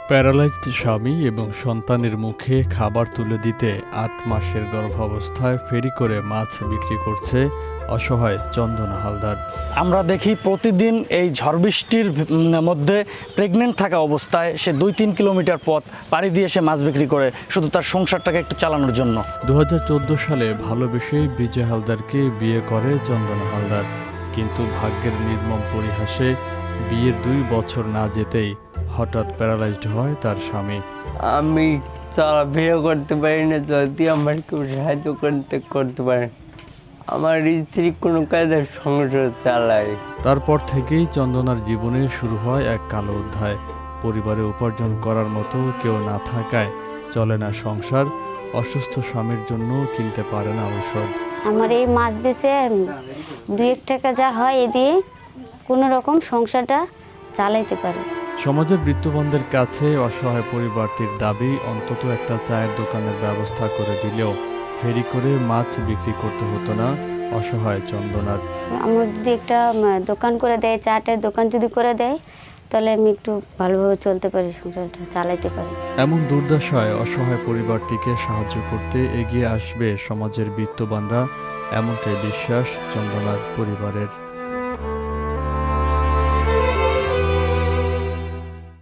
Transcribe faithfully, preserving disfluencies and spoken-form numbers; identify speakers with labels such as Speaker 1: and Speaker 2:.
Speaker 1: Paralysed স্বামী এবং সন্তানের মুখে খাবার তুলে দিতে আট মাসের গর্ভাবস্থায় ফেরি করে মাছ বিক্রি করছে অসহায় চন্দনা হালদার।
Speaker 2: আমরা দেখি প্রতিদিন এই ঝড় বৃষ্টির মধ্যে প্রেগনেন্ট থাকা অবস্থায় সে দুই তিন কিলোমিটার পথ পাড়ি দিয়ে সে মাছ বিক্রি করে শুধু তার সংসারটাকে একটু চালানোর জন্য।
Speaker 1: দু হাজার চোদ্দ সালে ভালোবেসে বিজয় হালদারকে বিয়ে করে চন্দনা হালদার, কিন্তু ভাগ্যের নির্মম পরিহাসে বিয়ের দুই বছর না যেতেই হঠাৎ প্যারালাইজড হয় তার স্বামী।
Speaker 3: আমি চলাফেরা করতে পারি না, যদি আমার কেউ সাহায্য করতে করতে পারে। আমার স্ত্রী কোনো কাজে সংসার চালায়।
Speaker 1: তারপর থেকেই চন্দনার জীবনে শুরু হয় এক কালো অধ্যায়। পরিবারে উপার্জন করার মতো কেউ না থাকায় চলে না সংসার, অসুস্থ স্বামীর জন্য কিনতে পারে না ঔষধ।
Speaker 4: আমার এই মাছ বেচে দুই এক টাকা যা হয় এ দিয়ে কোনো রকম সংসারটা চালাইতে পারে।
Speaker 1: সমাজের বৃত্তবন্ধের কাছে অসহায় পরিবারটির দাবি অন্তত একটা চায়ের দোকানের ব্যবস্থা করে দিলেও ফেরি করে মাছ বিক্রি করতে হতো না অসহায় চন্দনার।
Speaker 4: আমার যদি একটা দোকান করে দেয়, চাটের দোকান যদি করে দেয়, তাহলে আমি একটু ভালোভাবে চলতে পারি, সংসারটা চালাইতে পারি।
Speaker 1: এমন দুর্দশায় অসহায় পরিবারটিকে সাহায্য করতে এগিয়ে আসবে সমাজের বিত্তবানরা, এমনটাই বিশ্বাস চন্দনার পরিবারের।